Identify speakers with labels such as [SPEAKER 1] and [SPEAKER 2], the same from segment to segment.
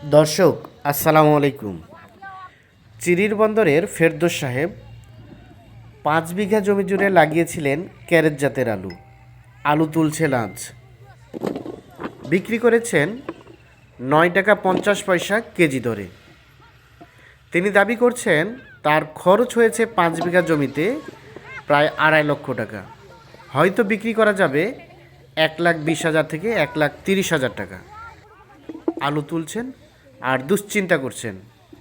[SPEAKER 1] দর্শক আসসালামু আলাইকুম। চিরির বন্দরের ফেরদৌস সাহেব 5 বিঘা জমি জুড়ে লাগিয়েছিলেন ক্যারেট জাতের আলু। আলু তুলছেন আজ, বিক্রি করেছেন 9 টাকা 50 পয়সা কেজি দরে। তিনি দাবি করছেন তার খরচ হয়েছে 5 বিঘা জমিতে প্রায় 2.5 লক্ষ টাকা। হয়তো বিক্রি করা যাবে 1,20,000 থেকে 1,30,000 টাকা। আলু তুলছেন আর দুশ্চিন্তা করছেন,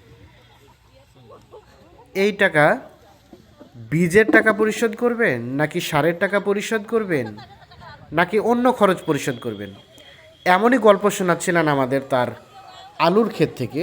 [SPEAKER 1] এই টাকা বীজের টাকা পরিশোধ করবেন নাকি সারের টাকা পরিশোধ করবেন নাকি অন্য খরচ পরিশোধ করবেন। এমনই গল্প শোনাচ্ছিলেন আমাদের তার আলুর ক্ষেত থেকে।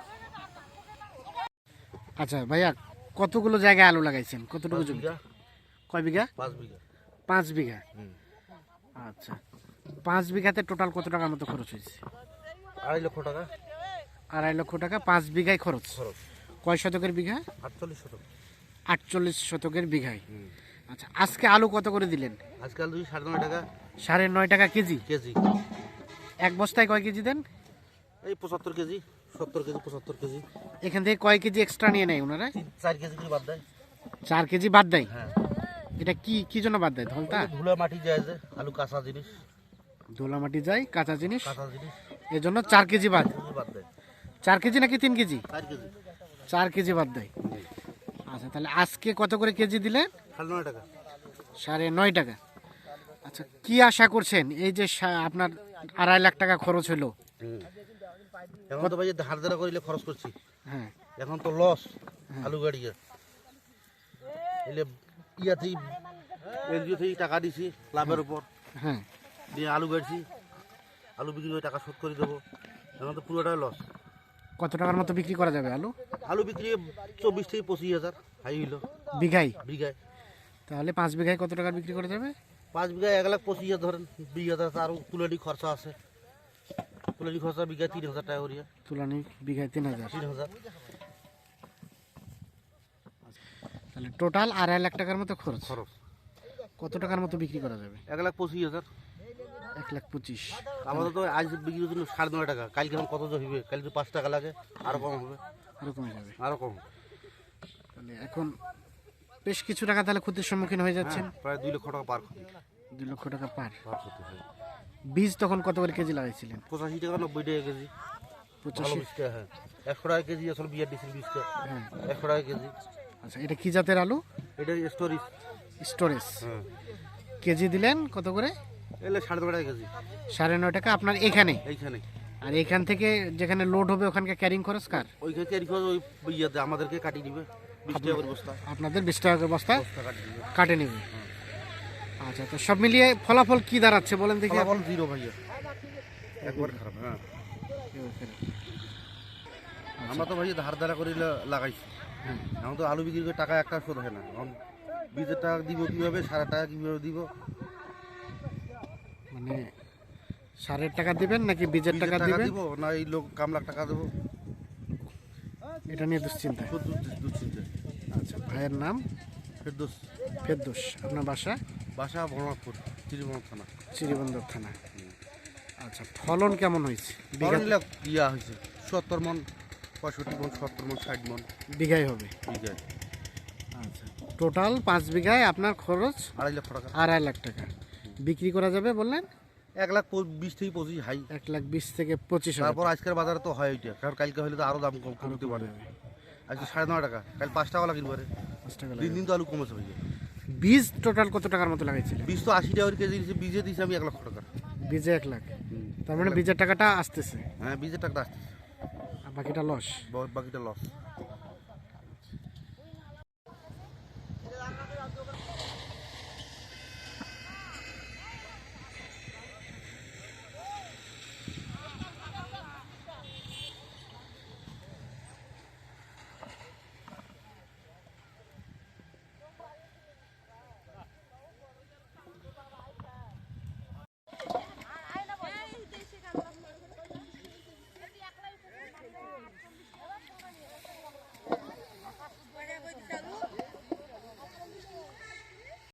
[SPEAKER 1] আচ্ছা ভাইয়া, কতগুলো জায়গায় আলু লাগাইছেন? কতটুকু জমি? কয় বিঘা?
[SPEAKER 2] 5 বিঘা।
[SPEAKER 1] 5 বিঘা। আচ্ছা, 5 বিঘাতে টোটাল কত টাকার মতো খরচ হয়েছে?
[SPEAKER 2] 2.5 লক্ষ টাকা।
[SPEAKER 1] 2.5 লক্ষ টাকা 5 বিঘায় খরচ। কয় শতকের বিঘা?
[SPEAKER 2] 48 শতক।
[SPEAKER 1] 48 শতকের বিঘায়। আচ্ছা, আজকে আলু কত করে দিলেন?
[SPEAKER 2] আজকাল 9.5 টাকা
[SPEAKER 1] 9.5 টাকা কেজি।
[SPEAKER 2] কেজি।
[SPEAKER 1] এক বস্তায় কয় কেজি দেন?
[SPEAKER 2] এই 75 কেজি, 70 কেজি, 75 কেজি।
[SPEAKER 1] এখান থেকে কয় কেজি এক্সট্রা নিয়ে নেয় ওনারা?
[SPEAKER 2] 4 কেজি করে বাদ দেয়।
[SPEAKER 1] 4 কেজি বাদ দেয়।
[SPEAKER 2] হ্যাঁ,
[SPEAKER 1] এটা কি কি জন্য বাদ দেয়? ধলতা
[SPEAKER 2] ধুলা মাটি যায় যে আলু কাঁচা জিনিস,
[SPEAKER 1] ধুলা মাটি যায়, কাঁচা জিনিস,
[SPEAKER 2] কাঁচা জিনিস
[SPEAKER 1] এজন্য 4 কেজি বাদ।
[SPEAKER 2] বাদ দেয়।
[SPEAKER 1] 4 কেজি নাকি 3 কেজি?
[SPEAKER 2] 4 কেজি।
[SPEAKER 1] 4 কেজি বাদ দেয়। আচ্ছা, তাহলে আজকে কত করে কেজি দিলেন?
[SPEAKER 2] 9.5 টাকা।
[SPEAKER 1] 9.5 টাকা। আচ্ছা, কি আশা করছেন এই যে আপনার 2.5 লাখ টাকা খরচ হলো?
[SPEAKER 2] এখন তো ভাই ধার ধারা করিলে খরচ করছি।
[SPEAKER 1] হ্যাঁ,
[SPEAKER 2] এখন তো লস আলু গাড়িয়ে এলে ইয়াতেই এনজিও থেকে টাকা দিছি লাভের উপর।
[SPEAKER 1] হ্যাঁ,
[SPEAKER 2] দিয়ে আলু গাড়ছি, আলু বিক্রি করে টাকা শোধ করে দেবো। এখন তো পুরোটাই লস।
[SPEAKER 1] কত টাকার মতো বিক্রি করা যাবে আলু?
[SPEAKER 2] আলু বিক্রি 24 থেকে 25,000 হাই হইলো
[SPEAKER 1] বিঘায়?
[SPEAKER 2] বিঘায়।
[SPEAKER 1] তাহলে 5 বিঘায় কত টাকার বিক্রি করা যাবে?
[SPEAKER 2] 5 বিঘায় 1,25,000 ধরেন, 20,000 আরও তুলানি খরচা আছে। তুলানি খরচা বিঘায় 3,000 টাকা করিয়া।
[SPEAKER 1] তুলানি বিঘায় 3,000।
[SPEAKER 2] 3,000।
[SPEAKER 1] তাহলে টোটাল 2.5 লাখ টাকার মতো খরচ।
[SPEAKER 2] খরচ
[SPEAKER 1] কত টাকার মতো বিক্রি করা যাবে?
[SPEAKER 2] 1,25,000।
[SPEAKER 1] 1,25,000।
[SPEAKER 2] আমাদের তো আজ বিক্রি জন্য 9.5 টাকা। কালকে এখন কত হবে? কালকে 5 টাকা লাগে, আরও কম হবে।
[SPEAKER 1] আরো কমে যাবে।
[SPEAKER 2] আরও কম।
[SPEAKER 1] তাহলে এখন বেশ কিছু টাকা তাহলে ক্ষতির সম্মুখীন হয়ে যাচ্ছেন।
[SPEAKER 2] প্রায় 2 লক্ষ টাকা পার ক্ষতি।
[SPEAKER 1] 2 লক্ষ টাকা পার।
[SPEAKER 2] পার ক্ষতি হয়।
[SPEAKER 1] বীজ তখন কত করে কেজি লাগাইছিলেন?
[SPEAKER 2] 85 টাকা 90 টাকা কেজি। ভালো
[SPEAKER 1] 85।
[SPEAKER 2] বীজটা, হ্যাঁ। 100 টাকা কেজি আসলে বিয়ার দিয়েছিল বীজটা।
[SPEAKER 1] হ্যাঁ।
[SPEAKER 2] 100 টাকা কেজি।
[SPEAKER 1] আচ্ছা, এটা কি জাতের আলু?
[SPEAKER 2] এটা স্টোরেজ।
[SPEAKER 1] স্টোরেজ।
[SPEAKER 2] হ্যাঁ,
[SPEAKER 1] কেজি দিলেন কত করে?
[SPEAKER 2] এলে 9.5 টাকা কেজি
[SPEAKER 1] 9.5 টাকা আপনার এখানে।
[SPEAKER 2] এইখানে।
[SPEAKER 1] আর এখান থেকে যেখানে লোড হবে ওখানকার ক্যারিং খরচ কার?
[SPEAKER 2] ওইখানে ক্যারি খরচ ওই ইয়াতে আমাদেরকে কাটিয়ে দিবে 20 টাকা করে বস্তা।
[SPEAKER 1] আপনাদের 20 টাকা করে বস্তা
[SPEAKER 2] বস্তা কাটিয়ে দিবে।
[SPEAKER 1] কাটে নেবে। আচ্ছা, তো সব মিলিয়ে ফলাফল কি দাঁড়াচ্ছে বলেন দেখি।
[SPEAKER 2] ফলাফল জিরো ভাইয়া, একবার খারাপ। হ্যাঁ, আমরা তো ভাইয়া ধার ধারা করে লাগাইছি। এখন তো আলু বিক্রি করে টাকা একটা শোধ হয় না। এখন বীজের টাকা দিব কীভাবে, সারা টাকা কীভাবে দিব?
[SPEAKER 1] মানে সারের টাকা দিবেন নাকি বীজের টাকা দিবেন?
[SPEAKER 2] দিব না এই লোক কামলাক টাকা দেবো,
[SPEAKER 1] এটা নিয়ে দুশ্চিন্তা।
[SPEAKER 2] শুধু দুশ্চিন্তা।
[SPEAKER 1] আচ্ছা, ভাইয়ের নাম?
[SPEAKER 2] ফেরদৌস।
[SPEAKER 1] ফেরদৌস। আপনার বাসা?
[SPEAKER 2] বাসা ভরনাথপুর, চিরিবন্দর থানা।
[SPEAKER 1] চিরিবন্দর থানা। আচ্ছা, ফলন কেমন হয়েছে?
[SPEAKER 2] ইয়া হয়েছে 70 মন, 65 মন, 70 মন, 60 মন
[SPEAKER 1] বিঘায় হবে?
[SPEAKER 2] বিঘায়।
[SPEAKER 1] আচ্ছা, টোটাল 5 বিঘায় আপনার খরচ
[SPEAKER 2] 2.5 লক্ষ টাকা।
[SPEAKER 1] 2.5 লাখ টাকা। বিক্রি করা যাবে বললেন?
[SPEAKER 2] 1,20,000 থেকে 25 হাই।
[SPEAKER 1] 1,20,000 থেকে 25,000।
[SPEAKER 2] তারপর আজকের বাজারে তো হয় ওইটা, কারণ কালকে হলে তো আরো দাম কমতে পারে। আজকে 9.5 টাকা, কাল 5 টাকা লাগিয়ে পারে।
[SPEAKER 1] 5 টাকা
[SPEAKER 2] দিন
[SPEAKER 1] লাগে।
[SPEAKER 2] দিন তো আলু কমেছে ভাই।
[SPEAKER 1] বীজ টোটাল কত টাকার মতো লাগাইছিলেন?
[SPEAKER 2] বীজ তো 80 টাকা করে কেজি দিয়েছে, বীজে দিয়েছি আমি 1 লক্ষ টাকা।
[SPEAKER 1] বীজে 1 লাখ। তার মানে বীজের টাকাটা আসতেছে
[SPEAKER 2] হ্যাঁ, বীজের টাকাটা আসছে,
[SPEAKER 1] আর বাকিটা লস।
[SPEAKER 2] বাকিটা লস।